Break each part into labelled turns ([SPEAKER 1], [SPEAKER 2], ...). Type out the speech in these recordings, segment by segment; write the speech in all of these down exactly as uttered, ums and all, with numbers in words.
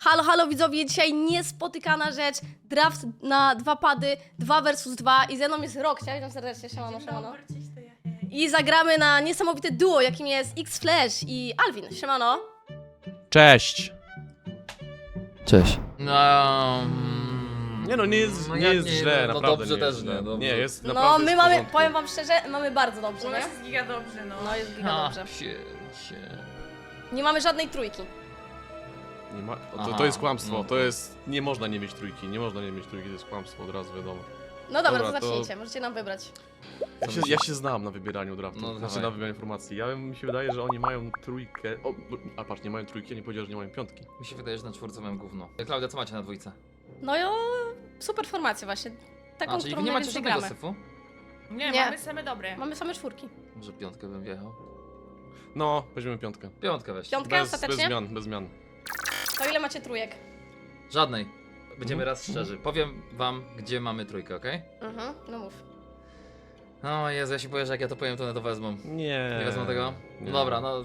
[SPEAKER 1] Halo, halo widzowie, dzisiaj niespotykana rzecz. Draft na dwa pady, dwa versus dwa i ze mną jest Roxia, witam serdecznie, siemano, siemano. I zagramy na niesamowite duo, jakim jest X-Flash i Alvin, siemano.
[SPEAKER 2] Cześć!
[SPEAKER 3] Cześć.
[SPEAKER 4] No. mm,
[SPEAKER 2] Nie no, nie jest,
[SPEAKER 4] no
[SPEAKER 2] nie
[SPEAKER 4] jak
[SPEAKER 2] jest
[SPEAKER 4] nie,
[SPEAKER 2] źle,
[SPEAKER 4] no
[SPEAKER 2] naprawdę
[SPEAKER 4] dobrze
[SPEAKER 2] nie jest
[SPEAKER 4] też
[SPEAKER 2] źle.
[SPEAKER 4] nie, dobrze.
[SPEAKER 2] Nie, jest
[SPEAKER 1] No
[SPEAKER 2] naprawdę
[SPEAKER 1] my
[SPEAKER 2] jest w
[SPEAKER 1] mamy,
[SPEAKER 2] porządku.
[SPEAKER 1] powiem wam szczerze, mamy bardzo dobrze,
[SPEAKER 5] U nas
[SPEAKER 1] nie?
[SPEAKER 5] jest giga dobrze, no.
[SPEAKER 1] No jest giga
[SPEAKER 4] Ha,
[SPEAKER 1] dobrze.
[SPEAKER 4] psie, psie.
[SPEAKER 1] Nie mamy żadnej trójki.
[SPEAKER 2] Nie ma, o, to,
[SPEAKER 4] Aha,
[SPEAKER 2] to jest kłamstwo,
[SPEAKER 4] no.
[SPEAKER 2] to jest... Nie można nie mieć trójki, nie można nie mieć trójki, to jest kłamstwo, od razu wiadomo.
[SPEAKER 1] No dobra,
[SPEAKER 2] Dobra,
[SPEAKER 1] to
[SPEAKER 2] to-
[SPEAKER 1] zacznijcie, możecie nam wybrać.
[SPEAKER 2] Ja się, ja się znam na wybieraniu draftu,
[SPEAKER 4] No,
[SPEAKER 2] znaczy
[SPEAKER 4] dawaj.
[SPEAKER 2] na wybieraniu informacji. Ja mi się wydaje, że oni mają trójkę... O, a patrz, nie mają trójki, ja nie powiedział, że nie mają piątki.
[SPEAKER 4] Mi się wydaje, że na czwórce mam gówno. Klaudia, co macie na dwójce?
[SPEAKER 1] No i o, super formację właśnie. Taką,
[SPEAKER 4] A, czyli
[SPEAKER 1] którą
[SPEAKER 4] wy nie macie
[SPEAKER 1] najwięcej
[SPEAKER 4] żadnego
[SPEAKER 1] gramy.
[SPEAKER 4] syfu?
[SPEAKER 5] Nie,
[SPEAKER 1] Nie.
[SPEAKER 5] mamy same dobre.
[SPEAKER 1] Mamy same czwórki.
[SPEAKER 4] Może piątkę bym wjechał?
[SPEAKER 2] No, weźmiemy piątkę.
[SPEAKER 4] Piątkę weź.
[SPEAKER 1] Piątkę
[SPEAKER 2] Bez, bez
[SPEAKER 1] ostatecznie?
[SPEAKER 2] zmian, bez zmian.
[SPEAKER 1] To ile macie trójek?
[SPEAKER 4] Żadnej. Będziemy
[SPEAKER 2] Mhm.
[SPEAKER 4] raz szczerzy. Powiem wam, gdzie mamy trójkę, okej?
[SPEAKER 1] Mhm, no mów.
[SPEAKER 4] O Jezu, ja się boję, że jak ja to powiem, to one to wezmą.
[SPEAKER 2] Nie.
[SPEAKER 4] Nie wezmą tego?
[SPEAKER 2] nie.
[SPEAKER 4] No dobra, no...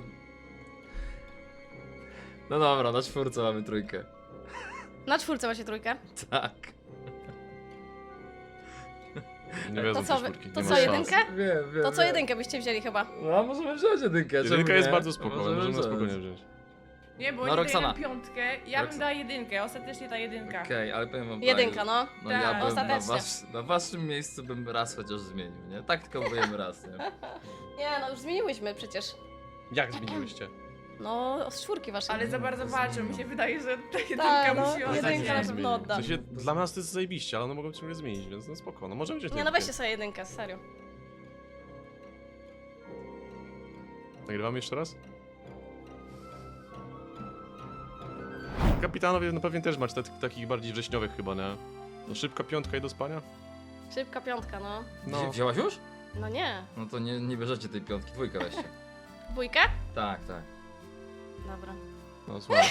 [SPEAKER 4] No dobra, na czwórce mamy trójkę.
[SPEAKER 1] Na czwórce macie trójkę.
[SPEAKER 4] Tak.
[SPEAKER 2] Nie wezmą
[SPEAKER 1] To co,
[SPEAKER 2] tej
[SPEAKER 1] wy-
[SPEAKER 2] czwórki,
[SPEAKER 1] to
[SPEAKER 2] nie
[SPEAKER 1] co,
[SPEAKER 2] ma szans.
[SPEAKER 1] jedynkę?
[SPEAKER 4] Wiem, wiem,
[SPEAKER 1] To co
[SPEAKER 4] wiem.
[SPEAKER 1] jedynkę byście wzięli chyba?
[SPEAKER 4] No, możemy wziąć jedynkę. czemu
[SPEAKER 2] Jedynka jest
[SPEAKER 4] nie?
[SPEAKER 2] bardzo spoko, możemy na
[SPEAKER 4] wziąć.
[SPEAKER 2] spokojnie wziąć.
[SPEAKER 5] Nie, bo
[SPEAKER 4] No,
[SPEAKER 5] oni
[SPEAKER 4] Roxana.
[SPEAKER 5] dają piątkę, ja bym
[SPEAKER 4] Rox-
[SPEAKER 5] dała jedynkę, ostatecznie ta jedynka.
[SPEAKER 4] Okej, ale powiem wam
[SPEAKER 1] Jedynka,
[SPEAKER 4] tak,
[SPEAKER 1] no.
[SPEAKER 4] No
[SPEAKER 5] Tak,
[SPEAKER 4] ja bym na,
[SPEAKER 1] ostatecznie.
[SPEAKER 4] was, na waszym miejscu bym raz chociaż zmienił, nie? Tak tylko byłem raz, nie?
[SPEAKER 1] Nie, no już zmieniłyśmy przecież.
[SPEAKER 2] Jak zmieniłyście?
[SPEAKER 1] No, z czwórki waszej.
[SPEAKER 5] Ale za bardzo walczą, mi się wydaje, że ta jedynka
[SPEAKER 1] Tak, no,
[SPEAKER 5] musi
[SPEAKER 1] jedynka
[SPEAKER 5] ostać.
[SPEAKER 1] na
[SPEAKER 2] Nie
[SPEAKER 1] pewno
[SPEAKER 2] zmieni.
[SPEAKER 1] odda.
[SPEAKER 2] W sensie, dla nas to jest zajebiście, ale one mogą ciągle zmienić, więc no spoko, no możemy wziąć
[SPEAKER 1] Nie, no
[SPEAKER 2] jedynkę.
[SPEAKER 1] weźcie sobie jedynkę, serio.
[SPEAKER 2] Nagrywamy jeszcze raz? Kapitanowie no pewnie też macie te- takich bardziej wrześniowych chyba, nie? No szybka piątka i do spania?
[SPEAKER 1] Szybka piątka, no.
[SPEAKER 4] No.
[SPEAKER 2] No.
[SPEAKER 4] Wzięłaś już?
[SPEAKER 1] No nie.
[SPEAKER 4] No to nie, nie bierzecie tej piątki, dwójkę weźcie.
[SPEAKER 1] Dwójkę?
[SPEAKER 4] Tak, tak.
[SPEAKER 1] Dobra.
[SPEAKER 2] No słuchaj.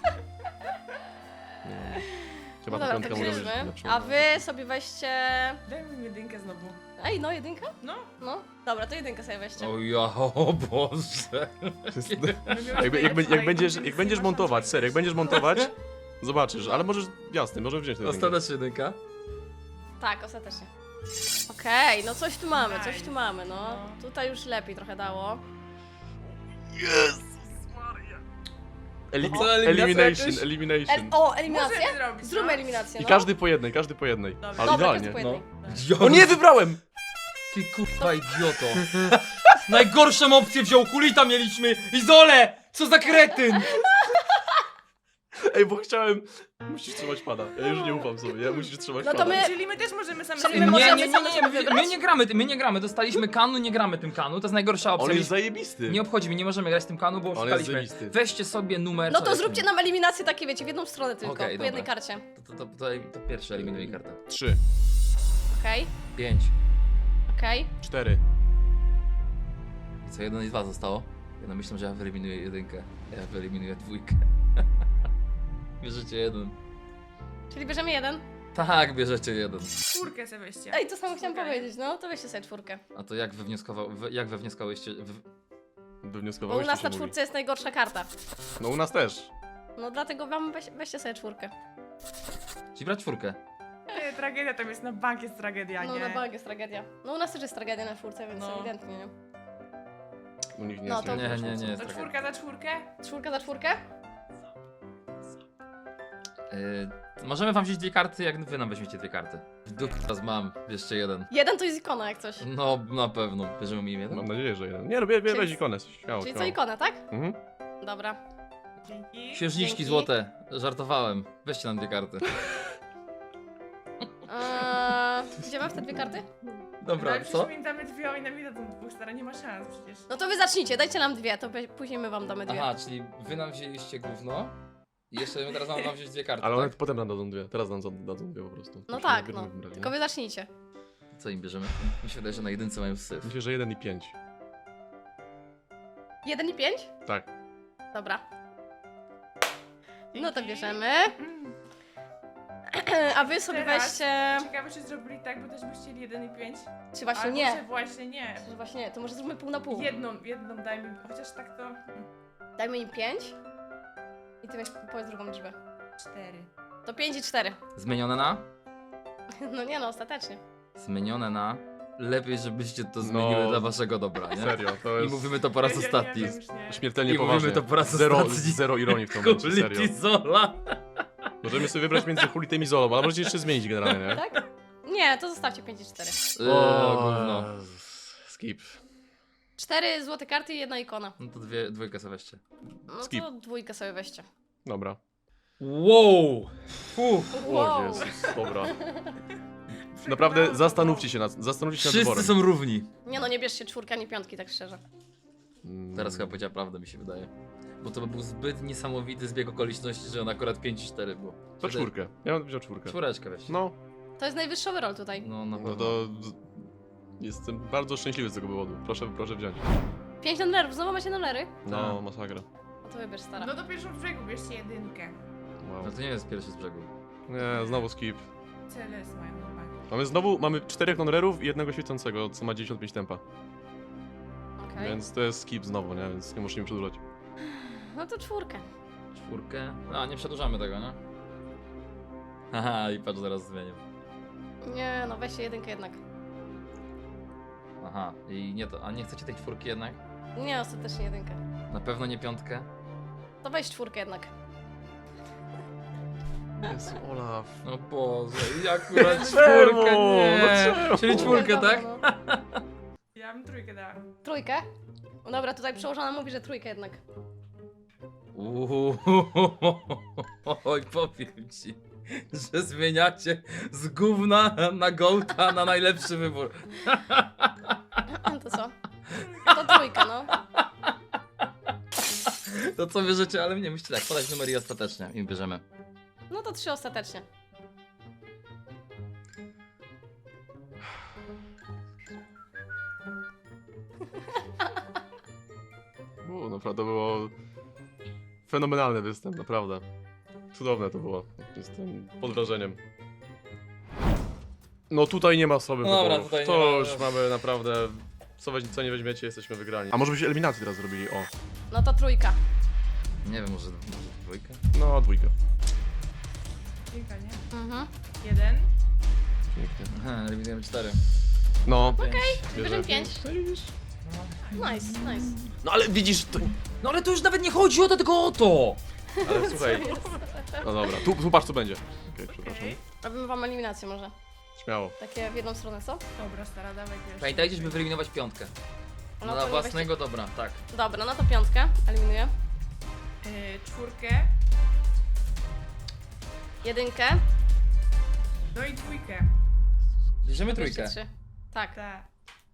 [SPEAKER 2] No. Trzeba
[SPEAKER 1] No
[SPEAKER 2] tę
[SPEAKER 1] dobra,
[SPEAKER 2] piątkę
[SPEAKER 1] to
[SPEAKER 2] mu robić
[SPEAKER 1] bierzmy.
[SPEAKER 2] lepszą.
[SPEAKER 1] A wy sobie weźcie...
[SPEAKER 5] Daj mi jedynkę znowu.
[SPEAKER 1] Ej, no jedynka?
[SPEAKER 5] No.
[SPEAKER 1] No. Dobra, to jedynkę sobie weźcie.
[SPEAKER 4] O ja, o Boże.
[SPEAKER 2] Jakby, jak, jak, jak, będziesz, jak będziesz montować, serio, jak będziesz montować, zobaczysz, ale możesz, jasne, możesz wziąć tę jedynkę.
[SPEAKER 4] Ostatecznie jedynka?
[SPEAKER 1] Tak, ostatecznie. Okej, no coś tu mamy, coś tu
[SPEAKER 5] Nice.
[SPEAKER 1] mamy, no.
[SPEAKER 5] No.
[SPEAKER 1] Tutaj już lepiej trochę dało.
[SPEAKER 2] Elimi
[SPEAKER 4] Co, eliminacja
[SPEAKER 2] elimination,
[SPEAKER 4] jakaś?
[SPEAKER 1] El
[SPEAKER 2] elimination.
[SPEAKER 1] o, eliminację?
[SPEAKER 5] Możemy zrobić,
[SPEAKER 1] Zróbmy
[SPEAKER 5] no.
[SPEAKER 1] eliminację,
[SPEAKER 2] I
[SPEAKER 1] no.
[SPEAKER 2] każdy po jednej, każdy po jednej.
[SPEAKER 5] Dobra.
[SPEAKER 2] Ale
[SPEAKER 1] Dobra,
[SPEAKER 2] idealnie.
[SPEAKER 1] każdy po
[SPEAKER 4] No.
[SPEAKER 1] jednej.
[SPEAKER 2] O nie, wybrałem!
[SPEAKER 4] Ty kurwa idioto. Najgorszą opcję wziął, Kulita mieliśmy! Izole! Co za kretyn!
[SPEAKER 2] Ej, bo chciałem... Musisz trzymać pada. Ja już nie ufam sobie, ja musisz trzymać
[SPEAKER 1] No to
[SPEAKER 2] pada.
[SPEAKER 1] my-
[SPEAKER 5] Czyli my też możemy same
[SPEAKER 1] Czyli
[SPEAKER 5] sobie
[SPEAKER 1] my
[SPEAKER 4] Nie,
[SPEAKER 1] możemy
[SPEAKER 4] nie, nie,
[SPEAKER 1] same
[SPEAKER 4] nie,
[SPEAKER 1] sobie
[SPEAKER 4] nie,
[SPEAKER 1] wybrać?
[SPEAKER 4] my nie gramy, my nie gramy, dostaliśmy kanu, nie gramy tym kanu, to jest najgorsza opcja.
[SPEAKER 2] On jest
[SPEAKER 4] Nie-
[SPEAKER 2] zajebisty.
[SPEAKER 4] Nie obchodzi mnie, nie możemy grać tym kanu, bo
[SPEAKER 2] jest
[SPEAKER 4] oszukaliśmy.
[SPEAKER 2] zajebisty.
[SPEAKER 4] Weźcie sobie numer.
[SPEAKER 1] No
[SPEAKER 4] co
[SPEAKER 1] to
[SPEAKER 4] jest
[SPEAKER 1] zróbcie
[SPEAKER 4] numer?
[SPEAKER 1] nam eliminację takie, wiecie, w jedną stronę tylko,
[SPEAKER 4] Okej,
[SPEAKER 1] po jednej
[SPEAKER 4] dobra.
[SPEAKER 1] karcie.
[SPEAKER 4] To, to, to, to, to pierwszy eliminuj kartę.
[SPEAKER 2] Trzy,
[SPEAKER 1] Okej,
[SPEAKER 4] Pięć.
[SPEAKER 1] okej.
[SPEAKER 2] cztery.
[SPEAKER 4] I co, jeden i dwa zostało? Ja no myślę, że ja wyeliminuję jedynkę. Ja wyeliminuję dwójkę. Bierzecie jeden.
[SPEAKER 1] Czyli bierzemy jeden.
[SPEAKER 4] Tak, bierzecie jeden.
[SPEAKER 5] czwórkę sobie weźcie.
[SPEAKER 1] Ej, to samo chciałam
[SPEAKER 5] Okej.
[SPEAKER 1] powiedzieć, no to weźcie sobie czwórkę.
[SPEAKER 4] A to jak wywnioskował, wy- jak wewnioskowałyście? W...
[SPEAKER 1] Bo u
[SPEAKER 2] Wywnioskowałeś,
[SPEAKER 1] nas
[SPEAKER 2] co
[SPEAKER 1] na
[SPEAKER 2] się
[SPEAKER 1] czwórce jest najgorsza karta.
[SPEAKER 2] mówi. No u nas też.
[SPEAKER 1] No dlatego wam weź, weźcie sobie czwórkę.
[SPEAKER 4] Czyli brać czwórkę.
[SPEAKER 5] Nie, tragedia tam jest, na bank jest tragedia,
[SPEAKER 1] No
[SPEAKER 5] nie?
[SPEAKER 1] na bank jest tragedia. No u nas też jest tragedia na czwórce, więc
[SPEAKER 5] No.
[SPEAKER 1] ewidentnie, nie?
[SPEAKER 2] U nich nie
[SPEAKER 1] No
[SPEAKER 2] jest
[SPEAKER 1] to-
[SPEAKER 4] Nie, nie, nie jest
[SPEAKER 5] To
[SPEAKER 4] tragedia.
[SPEAKER 5] czwórka za czwórkę?
[SPEAKER 1] Czwórka za czwórkę?
[SPEAKER 4] Yy, możemy wam wziąć dwie karty, jak wy nam weźmiecie dwie karty. W dupie teraz mam, jeszcze jeden.
[SPEAKER 1] Jeden to jest ikona jak coś.
[SPEAKER 4] No, na pewno. Bierzemy mi jeden?
[SPEAKER 2] Mam nadzieję, że jeden. Nie no, bie, bie,
[SPEAKER 1] Czyli-
[SPEAKER 2] weź ikonę, śmiało,
[SPEAKER 1] Czyli co
[SPEAKER 2] śmiało.
[SPEAKER 1] ikona, tak?
[SPEAKER 2] Mhm.
[SPEAKER 1] Dobra.
[SPEAKER 5] Dzięki.
[SPEAKER 4] Księżniczki
[SPEAKER 1] Dzięki.
[SPEAKER 4] złote. Żartowałem. Weźcie nam dwie karty.
[SPEAKER 1] Eee, gdzie mam te dwie karty?
[SPEAKER 4] Dobra,
[SPEAKER 5] Ale
[SPEAKER 4] co?
[SPEAKER 5] przecież mi damy dwie, oni nam nie dadzą dwóch, stara, nie ma szans przecież.
[SPEAKER 1] No to wy zacznijcie, dajcie nam dwie, to pe- później my wam damy dwie.
[SPEAKER 4] Aha, czyli wy nam wzięliście gówno i jeszcze my teraz mam wam wziąć dwie karty,
[SPEAKER 2] Ale one
[SPEAKER 4] tak?
[SPEAKER 2] potem nam dadzą dwie, teraz nam za- dadzą dwie po prostu.
[SPEAKER 1] No
[SPEAKER 2] Musimy
[SPEAKER 1] tak,
[SPEAKER 2] najpierw
[SPEAKER 1] no.
[SPEAKER 2] wybrać, nie?
[SPEAKER 1] Tylko wy zacznijcie.
[SPEAKER 4] Co im bierzemy? Mi się wydaje, że na jedynce mają syf.
[SPEAKER 2] Myślę, że jeden i pięć.
[SPEAKER 1] Jeden i pięć?
[SPEAKER 2] Tak.
[SPEAKER 1] Dobra. No to
[SPEAKER 5] Dzięki.
[SPEAKER 1] bierzemy.
[SPEAKER 5] Mm.
[SPEAKER 1] A wy sobie
[SPEAKER 5] Teraz-
[SPEAKER 1] weźcie...
[SPEAKER 5] Ciekawe, czy zrobili tak, bo też by chcieli jeden i pięć.
[SPEAKER 1] Czy właśnie
[SPEAKER 5] Albo,
[SPEAKER 1] nie?
[SPEAKER 5] że właśnie nie.
[SPEAKER 1] Że właśnie nie, to może zróbmy pół na pół.
[SPEAKER 5] Jedną, jedną dajmy, chociaż tak to...
[SPEAKER 1] Dajmy im pięć. I ty weź powiedz drugą liczbę.
[SPEAKER 5] cztery.
[SPEAKER 1] pięć i cztery.
[SPEAKER 4] Zmienione na?
[SPEAKER 1] No nie no, ostatecznie.
[SPEAKER 4] Zmienione na... Lepiej, żebyście to zmieniły
[SPEAKER 2] No,
[SPEAKER 4] dla waszego dobra, nie?
[SPEAKER 2] Serio, to
[SPEAKER 4] I
[SPEAKER 2] jest
[SPEAKER 4] mówimy to po raz
[SPEAKER 5] Ja- ja-
[SPEAKER 4] ostatni.
[SPEAKER 5] Ja, wiem, już nie.
[SPEAKER 2] śmiertelnie
[SPEAKER 4] I
[SPEAKER 2] poważnie.
[SPEAKER 4] mówimy to po raz
[SPEAKER 2] zero,
[SPEAKER 4] ostatni.
[SPEAKER 2] zero ironii w tym momencie, serio.
[SPEAKER 4] Kulity Zola.
[SPEAKER 2] Możemy sobie wybrać między Hulitym i Zolą, ale możecie jeszcze zmienić generalnie, nie?
[SPEAKER 1] Tak? Nie, to zostawcie pięć i cztery.
[SPEAKER 4] O, gówno.
[SPEAKER 2] Skip.
[SPEAKER 1] cztery złote karty i jedna ikona.
[SPEAKER 4] No to dwie, dwójkę sobie weźcie.
[SPEAKER 1] No
[SPEAKER 2] Skip.
[SPEAKER 1] to dwójkę sobie weźcie.
[SPEAKER 2] Dobra.
[SPEAKER 4] Wow! Fuh.
[SPEAKER 2] O Jezus, dobra. Naprawdę zastanówcie się nad, zastanówcie się nad
[SPEAKER 4] Wszyscy
[SPEAKER 2] wyborem.
[SPEAKER 4] są równi.
[SPEAKER 1] Nie no, nie bierzcie czwórki ani piątki, tak szczerze.
[SPEAKER 2] Mm,
[SPEAKER 4] Teraz chyba powiedziała prawdę, mi się wydaje. Bo to by był zbyt niesamowity zbieg okoliczności, że on akurat pięć i cztery było.
[SPEAKER 2] To czwórkę. Ja bym wziął czwórkę.
[SPEAKER 4] Czwóreczkę weź.
[SPEAKER 2] No,
[SPEAKER 1] To jest najwyższy overall tutaj.
[SPEAKER 4] No, na
[SPEAKER 2] no
[SPEAKER 4] pewno.
[SPEAKER 2] to... Jestem bardzo szczęśliwy z tego powodu. Proszę, proszę wziąć.
[SPEAKER 1] pięć nerwów, znowu macie numery?
[SPEAKER 2] No,
[SPEAKER 4] Tak.
[SPEAKER 2] masakra.
[SPEAKER 1] No to wybierz, stara.
[SPEAKER 5] No do pierwszego brzegu bierzcie jedynkę.
[SPEAKER 2] Wow.
[SPEAKER 4] No to nie jest pierwszy z brzegu.
[SPEAKER 2] Nie, znowu skip.
[SPEAKER 5] C L S mają chłopaki.
[SPEAKER 2] Mamy znowu, mamy czterech non-rerów i jednego świecącego, co ma dziewięćdziesiąt pięć tempa.
[SPEAKER 1] Okej.
[SPEAKER 2] Więc to jest skip znowu, nie? Więc nie musimy przedłużać.
[SPEAKER 1] No to czwórkę.
[SPEAKER 4] Czwórkę. A, nie przedłużamy tego, nie? Haha, i patrz, zaraz zmienię.
[SPEAKER 1] Nie no, weźcie jedynkę jednak.
[SPEAKER 4] Aha, i nie to, a nie chcecie tej czwórki jednak?
[SPEAKER 1] Nie, ostatecznie jedynkę.
[SPEAKER 4] Na pewno nie piątkę?
[SPEAKER 1] To weź czwórkę jednak.
[SPEAKER 2] Jezu, Olaf.
[SPEAKER 4] No Boże, i akurat
[SPEAKER 2] Czemu?
[SPEAKER 4] czwórkę,
[SPEAKER 2] No
[SPEAKER 4] nie!
[SPEAKER 2] czemu?
[SPEAKER 4] Czyli czwórkę,
[SPEAKER 1] Dobra,
[SPEAKER 4] tak?
[SPEAKER 1] no.
[SPEAKER 5] Ja bym trójkę dała.
[SPEAKER 1] Trójkę? No dobra, tutaj przełożona mówi, że trójkę jednak.
[SPEAKER 4] Uuu, oj, powiem ci, że zmieniacie z gówna na gołta na najlepszy wybór.
[SPEAKER 1] To co? To trójka, no.
[SPEAKER 4] To co bierzecie, ale nie myślcie tak, podać numer i ostatecznie i bierzemy.
[SPEAKER 1] No to trzy ostatecznie.
[SPEAKER 2] U, naprawdę było fenomenalny występ, naprawdę. Cudowne to było. Jestem pod wrażeniem. No tutaj nie ma słabych
[SPEAKER 4] Dobra,
[SPEAKER 2] wyborów.
[SPEAKER 4] tutaj nie
[SPEAKER 2] To
[SPEAKER 4] ma-
[SPEAKER 2] już mamy naprawdę... Co, weź, co nie weźmiecie, jesteśmy wygrani. A może byśmy eliminację teraz zrobili? O,
[SPEAKER 1] No to trójka.
[SPEAKER 4] Nie wiem, może, może dwójkę?
[SPEAKER 2] no dwójkę.
[SPEAKER 5] Kilka, nie?
[SPEAKER 1] Mhm.
[SPEAKER 5] Jeden.
[SPEAKER 2] Pięknie.
[SPEAKER 4] Aha, revidujemy cztery.
[SPEAKER 2] No,
[SPEAKER 4] Okej.
[SPEAKER 1] Bierzemy pięć. Nice, nice.
[SPEAKER 2] no ale widzisz, to...
[SPEAKER 4] No ale to już nawet nie chodzi o to, tylko o to!
[SPEAKER 2] Ale słuchaj, no dobra, tu, tu patrz co będzie. Okej, przepraszam.
[SPEAKER 5] Okej.
[SPEAKER 1] Robimy wam eliminację może.
[SPEAKER 2] Śmiało.
[SPEAKER 1] Takie w jedną stronę, co?
[SPEAKER 5] Dobra, stara, dawaj pierwszy.
[SPEAKER 4] Pamiętajcie, żeby wyeliminować piątkę.
[SPEAKER 1] No
[SPEAKER 4] No
[SPEAKER 1] to
[SPEAKER 4] na
[SPEAKER 1] nie
[SPEAKER 4] własnego dobra, tak.
[SPEAKER 1] weźcie- Dobra, no to piątkę. Eliminuję.
[SPEAKER 5] Yy, czwórkę.
[SPEAKER 1] Jedynkę.
[SPEAKER 5] No i dwójkę.
[SPEAKER 4] Bierzemy
[SPEAKER 1] Bierzcie
[SPEAKER 4] trójkę.
[SPEAKER 1] trzy. Tak.
[SPEAKER 5] Tak.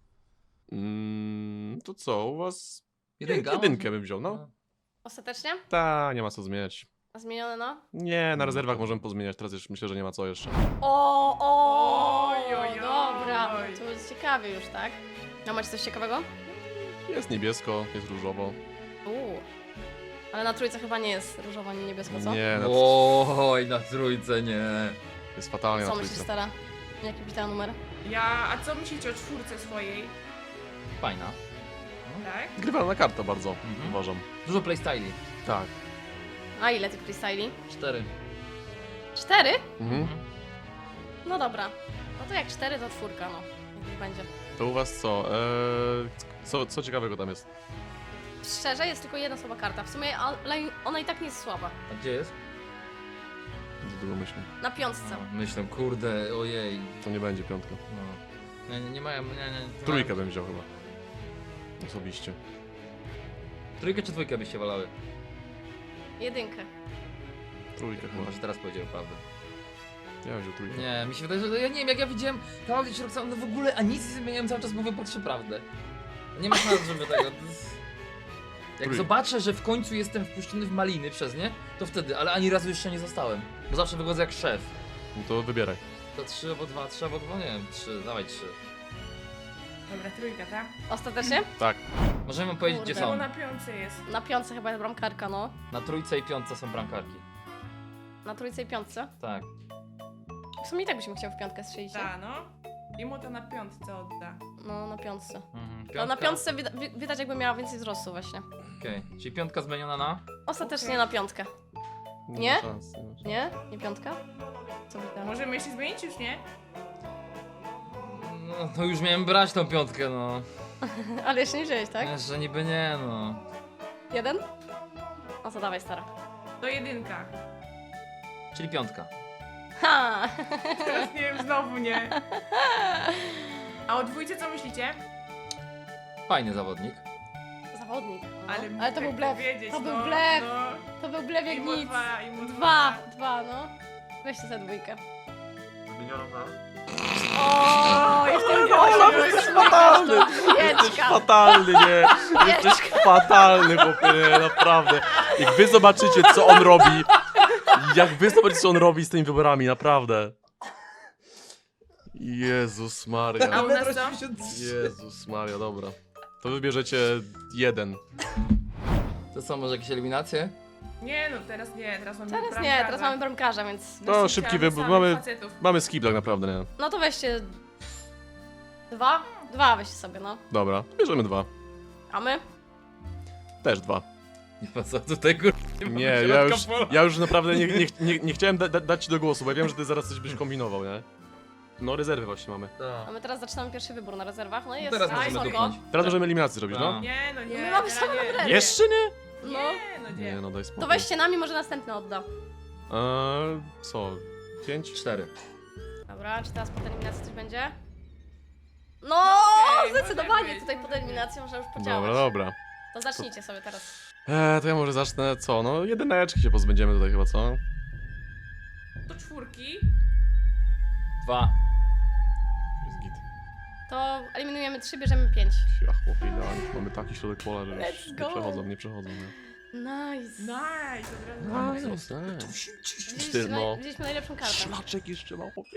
[SPEAKER 2] Mm, to co, u was...
[SPEAKER 4] Jedynka?
[SPEAKER 2] Jedynkę bym wziął, no.
[SPEAKER 1] Ostatecznie?
[SPEAKER 2] Ta, nie ma co zmieniać.
[SPEAKER 1] A zmienione no?
[SPEAKER 2] Nie, na rezerwach możemy pozmieniać, teraz już myślę, że nie ma co jeszcze.
[SPEAKER 1] O, o,
[SPEAKER 5] Oj, oj, oj.
[SPEAKER 1] dobra. To będzie ciekawie już, tak? No macie coś ciekawego?
[SPEAKER 2] Jest niebiesko, jest różowo.
[SPEAKER 1] Uuu. Ale na trójce chyba nie jest różowo ani niebiesko, co?
[SPEAKER 2] Nie, na
[SPEAKER 4] Oj, na trójce nie.
[SPEAKER 2] jest fatalnie na
[SPEAKER 1] Co myślisz,
[SPEAKER 2] trójce.
[SPEAKER 1] stara? Jaki bita numer?
[SPEAKER 5] Ja, a co myślicie o czwórce swojej?
[SPEAKER 4] Fajna.
[SPEAKER 5] Tak?
[SPEAKER 2] Grywalna karta bardzo,
[SPEAKER 4] Mhm.
[SPEAKER 2] uważam.
[SPEAKER 4] Dużo playstyli.
[SPEAKER 2] Tak.
[SPEAKER 1] A ile tych freestyli?
[SPEAKER 4] Cztery.
[SPEAKER 1] Cztery?
[SPEAKER 2] Mhm.
[SPEAKER 1] No dobra. No to jak cztery, to czwórka, no. Niech będzie.
[SPEAKER 2] To u was co? Eee, co? Co ciekawego tam jest?
[SPEAKER 1] Szczerze, jest tylko jedna słaba karta. W sumie, ale ona i tak nie jest słaba.
[SPEAKER 4] A gdzie jest?
[SPEAKER 2] Za dużo myślę.
[SPEAKER 1] Na piątce.
[SPEAKER 4] A, myślę, kurde, ojej.
[SPEAKER 2] To nie będzie piątka.
[SPEAKER 4] No. Nie, nie, nie mają, nie, nie. nie
[SPEAKER 2] Trójkę
[SPEAKER 4] mają.
[SPEAKER 2] bym wziął chyba. Osobiście.
[SPEAKER 4] Trójkę czy dwójkę byście wolały?
[SPEAKER 1] Jedynkę.
[SPEAKER 2] Trójkę chyba.
[SPEAKER 4] Może teraz powiedział prawdę.
[SPEAKER 2] Ja bym wziął trójkę.
[SPEAKER 4] Nie, mi się wydaje, że ja nie wiem, jak ja widziałem Klaudię czy Roxanę, no w ogóle, a nic nie zmieniałem, cały czas mówię po trzy prawdę. Nie ma szans, żeby tego... to jest- Jak
[SPEAKER 2] Trójkę.
[SPEAKER 4] zobaczę, że w końcu jestem wpuszczony w maliny przez nie, to wtedy, ale ani razu jeszcze nie zostałem. Bo zawsze wychodzę jak szef.
[SPEAKER 2] No to wybieraj.
[SPEAKER 4] To trzy albo dwa, trzy albo dwa, nie wiem, trzy, dawaj trzy.
[SPEAKER 5] Dobra, trójka, tak?
[SPEAKER 1] Ostatecznie?
[SPEAKER 2] Tak.
[SPEAKER 4] Możemy wam powiedzieć,
[SPEAKER 1] Kurde.
[SPEAKER 4] gdzie
[SPEAKER 5] Bo
[SPEAKER 4] są.
[SPEAKER 5] na piątce jest.
[SPEAKER 1] Na piątce chyba jest bramkarka, no.
[SPEAKER 4] Na trójce i piątce są bramkarki.
[SPEAKER 1] Na trójce i piątce.
[SPEAKER 4] Tak.
[SPEAKER 1] W sumie i tak byśmy chciał w piątkę strzelić, nie?
[SPEAKER 5] Ta, no. I mu to na piątce odda.
[SPEAKER 1] No, na piątce.
[SPEAKER 4] Mhm.
[SPEAKER 1] To na piątce wida- wi- widać jakby miała więcej wzrostu właśnie.
[SPEAKER 4] Okej, czyli piątka zmieniona na?
[SPEAKER 1] Ostatecznie
[SPEAKER 5] Okej.
[SPEAKER 1] na piątkę. Nie?
[SPEAKER 2] ma szans, nie ma szans.
[SPEAKER 1] Nie? Nie piątka? Co by tam?
[SPEAKER 5] Możemy jeszcze zmienić już, nie?
[SPEAKER 4] No to już miałem brać tą piątkę, no.
[SPEAKER 1] Ale jeszcze nie wziąłeś, tak?
[SPEAKER 4] Że niby nie, no.
[SPEAKER 1] Jeden? No to dawaj, stara.
[SPEAKER 5] To jedynka.
[SPEAKER 4] Czyli piątka.
[SPEAKER 1] Ha!
[SPEAKER 5] Teraz nie wiem, znowu nie. A o dwójce co myślicie?
[SPEAKER 4] Fajny zawodnik.
[SPEAKER 1] Zawodnik. No.
[SPEAKER 5] Ale,
[SPEAKER 1] Ale to
[SPEAKER 5] tak
[SPEAKER 1] był blef.
[SPEAKER 5] Wiedzieć,
[SPEAKER 1] To był
[SPEAKER 5] no,
[SPEAKER 1] blef.
[SPEAKER 5] No.
[SPEAKER 1] To był blef jak
[SPEAKER 5] Imo
[SPEAKER 1] nic.
[SPEAKER 5] dwa, imo
[SPEAKER 1] Dwa, dwa, no. Weźcie za dwójkę.
[SPEAKER 2] Zmieniono na...
[SPEAKER 1] O, i w tym głosie byłeś
[SPEAKER 2] fatalny. Jesteś
[SPEAKER 1] Jeczka.
[SPEAKER 2] fatalny, nie? Jesteś fatalny, chłopie, nie, naprawdę. Jak wy zobaczycie, co on robi, jak wy zobaczycie, co on robi z tymi wyborami, naprawdę. Jezus
[SPEAKER 5] A
[SPEAKER 2] Maria.
[SPEAKER 5] u nas co?
[SPEAKER 2] Jezus Maria, dobra. To wybierzecie jeden.
[SPEAKER 4] To co, może jakieś eliminacje?
[SPEAKER 5] Nie no, teraz nie, teraz mamy
[SPEAKER 1] Teraz
[SPEAKER 5] bramkarza.
[SPEAKER 1] nie, teraz mamy bramkarza, więc...
[SPEAKER 2] No,
[SPEAKER 5] Nasi
[SPEAKER 2] szybki
[SPEAKER 5] chciałam
[SPEAKER 2] wybór,
[SPEAKER 5] samych
[SPEAKER 2] mamy-
[SPEAKER 5] facetów.
[SPEAKER 2] Mamy skip tak naprawdę, nie?
[SPEAKER 1] No to weźcie... Dwa? Dwa weźcie sobie, no.
[SPEAKER 2] Dobra, bierzemy dwa.
[SPEAKER 1] A my?
[SPEAKER 2] Też dwa.
[SPEAKER 4] Nie ma co tutaj kur...
[SPEAKER 2] Nie, ja już, ja już naprawdę nie, nie, nie, nie chciałem da, da, dać ci do głosu, bo ja wiem, że ty zaraz coś byś kombinował, nie? No, rezerwy właśnie mamy.
[SPEAKER 1] A my teraz zaczynamy pierwszy wybór na rezerwach, no i jest...
[SPEAKER 4] Teraz
[SPEAKER 1] a,
[SPEAKER 4] możemy
[SPEAKER 1] spoko.
[SPEAKER 4] dupnąć.
[SPEAKER 2] Teraz możemy eliminację zrobić, no?
[SPEAKER 4] Tak.
[SPEAKER 5] Nie no, nie.
[SPEAKER 1] My mamy
[SPEAKER 5] teraz
[SPEAKER 1] same
[SPEAKER 5] nie.
[SPEAKER 1] numery.
[SPEAKER 2] Jeszcze nie?
[SPEAKER 1] No.
[SPEAKER 5] Nie, no nie.
[SPEAKER 2] Nie, no daj spokój.
[SPEAKER 1] To weźcie nami, może następny odda.
[SPEAKER 2] Eee, co? Pięć?
[SPEAKER 4] Cztery.
[SPEAKER 1] Dobra, czy teraz pod eliminacją coś będzie? No,
[SPEAKER 5] Okej,
[SPEAKER 1] zdecydowanie
[SPEAKER 5] może być,
[SPEAKER 1] tutaj pod
[SPEAKER 5] może
[SPEAKER 1] eliminacją można już podziałać.
[SPEAKER 2] Dobra, dobra.
[SPEAKER 1] To zacznijcie sobie teraz.
[SPEAKER 2] Eee, to ja może zacznę, co? No, jedyneczki się pozbędziemy tutaj chyba, co?
[SPEAKER 5] Do czwórki.
[SPEAKER 4] Dwa.
[SPEAKER 2] Jest git.
[SPEAKER 1] To eliminujemy trzy, bierzemy pięć.
[SPEAKER 2] Ja chłopie, idealnie. Mamy taki środek pola, że
[SPEAKER 1] Let's
[SPEAKER 2] już
[SPEAKER 1] go.
[SPEAKER 2] nie przechodzą, nie przechodzą, nie?
[SPEAKER 1] Nice.
[SPEAKER 5] Nice, od razu.
[SPEAKER 2] Nice, nice.
[SPEAKER 1] Widzieliśmy,
[SPEAKER 2] Ty, no.
[SPEAKER 1] naj, widzieliśmy najlepszą kartę.
[SPEAKER 2] Szlaczek jeszcze ma, chłopie.